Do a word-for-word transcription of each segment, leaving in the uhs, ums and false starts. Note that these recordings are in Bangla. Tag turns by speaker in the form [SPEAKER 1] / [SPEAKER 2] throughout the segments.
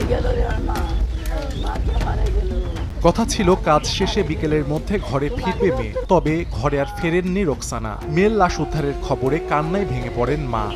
[SPEAKER 1] কথা ছিল কাজ শেষে বিকেলের মধ্যে ঘরে ফিরবে মেয়ে, তবে ঘরে আর ফেরেননি রোকসানা। মেয়ের লাশ উদ্ধারের খবরে কান্নায় ভেঙে পড়েন মা।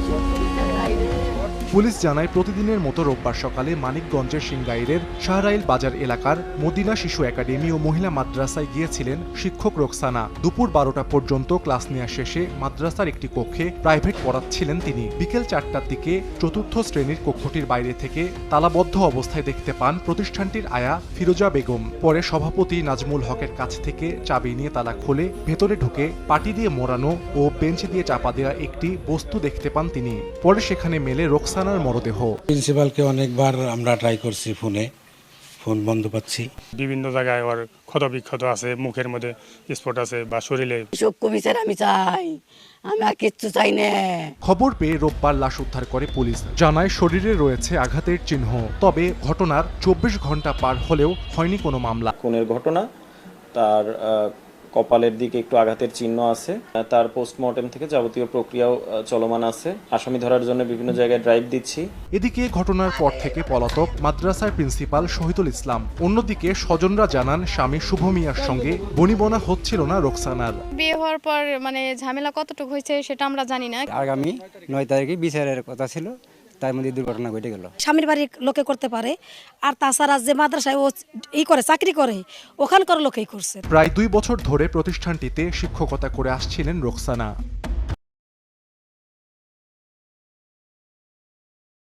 [SPEAKER 1] পুলিশ জানায় প্রতিদিনের মতো রোববার সকালে মানিকগঞ্জের সিংগাইরের শাহরাইল বাজার এলাকার মদিনা শিশু একাডেমি ও মহিলা মাদ্রাসায় গিয়েছিলেন শিক্ষক রোকসানা। দুপুর বারোটা পর্যন্ত ক্লাস নেওয়া শেষে মাদ্রাসার একটি কক্ষে প্রাইভেট পড়াচ্ছিলেন তিনি। বিকেল চারটার দিকে চতুর্থ শ্রেণীর কক্ষটির বাইরে থেকে তালাবদ্ধ অবস্থায় দেখতে পান প্রতিষ্ঠানটির আয়া ফিরোজা বেগম। পরে সভাপতি নাজমুল হকের কাছ থেকে চাবি নিয়ে তালা খুলে ভেতরে ঢুকে পাটি দিয়ে মোড়ানো ও বেঞ্চ দিয়ে চাপা দেওয়া একটি বস্তু দেখতে পান তিনি। পরে সেখানে মেলে রোকসানা মরদেহ।
[SPEAKER 2] প্রিন্সিপালকে অনেকবার আমরা ট্রাই করছি, ফোনে ফোন বন্ধ পাচ্ছি।
[SPEAKER 3] বিভিন্ন জায়গায় ওর ক্ষত বিক্ষত আছে, মুখের মধ্যে স্পট আছে বা শরীরে।
[SPEAKER 4] সব কমিশন আমি চাই, আমি আর কিচ্ছু চাই না।
[SPEAKER 1] খবর পেয়ে রোববার লাশ উদ্ধার করে পুলিশ। জানায় শরীরে রয়েছে আঘাতের চিহ্ন, তবে ঘটনার চব্বিশ ঘন্টা পার হলেও হয়নি কোনো মামলা।
[SPEAKER 5] খুনের ঘটনা, তার কপালের দিকে একটু আঘাতের চিহ্ন আছে। তার পোস্টমর্টেম থেকে যাবতীয় প্রক্রিয়াও চলমান আছে। আসামি ধরার জন্য বিভিন্ন জায়গায় ড্রাইভ দিচ্ছি।
[SPEAKER 1] এদিকে ঘটনার পর থেকে পলাতক মাদ্রাসার প্রিন্সিপাল শহীদুল ইসলাম। অন্যদিকে স্বজনরা জানান স্বামী শুভ মিয়ার সঙ্গে বনিবনা হচ্ছিল না রোকসানার।
[SPEAKER 6] বিয়ে হওয়ার পর মানে ঝামেলা কতটুকু হয়েছে সেটা আমরা জানি না।
[SPEAKER 7] আগামী নয় তারিখে বিচারের কথা ছিল, তার মধ্যে দুর্ঘটনা ঘটে গেল।
[SPEAKER 8] স্বামীর বাড়ির লোকে করতে পারে, আর তাছাড়া যে মাদ্রাসায় ও ই করে চাকরি করে ওখানকার লোকেই করছে।
[SPEAKER 1] প্রায় দুই বছর ধরে প্রতিষ্ঠানটিতে শিক্ষকতা করে আসছিলেন রোকসানা।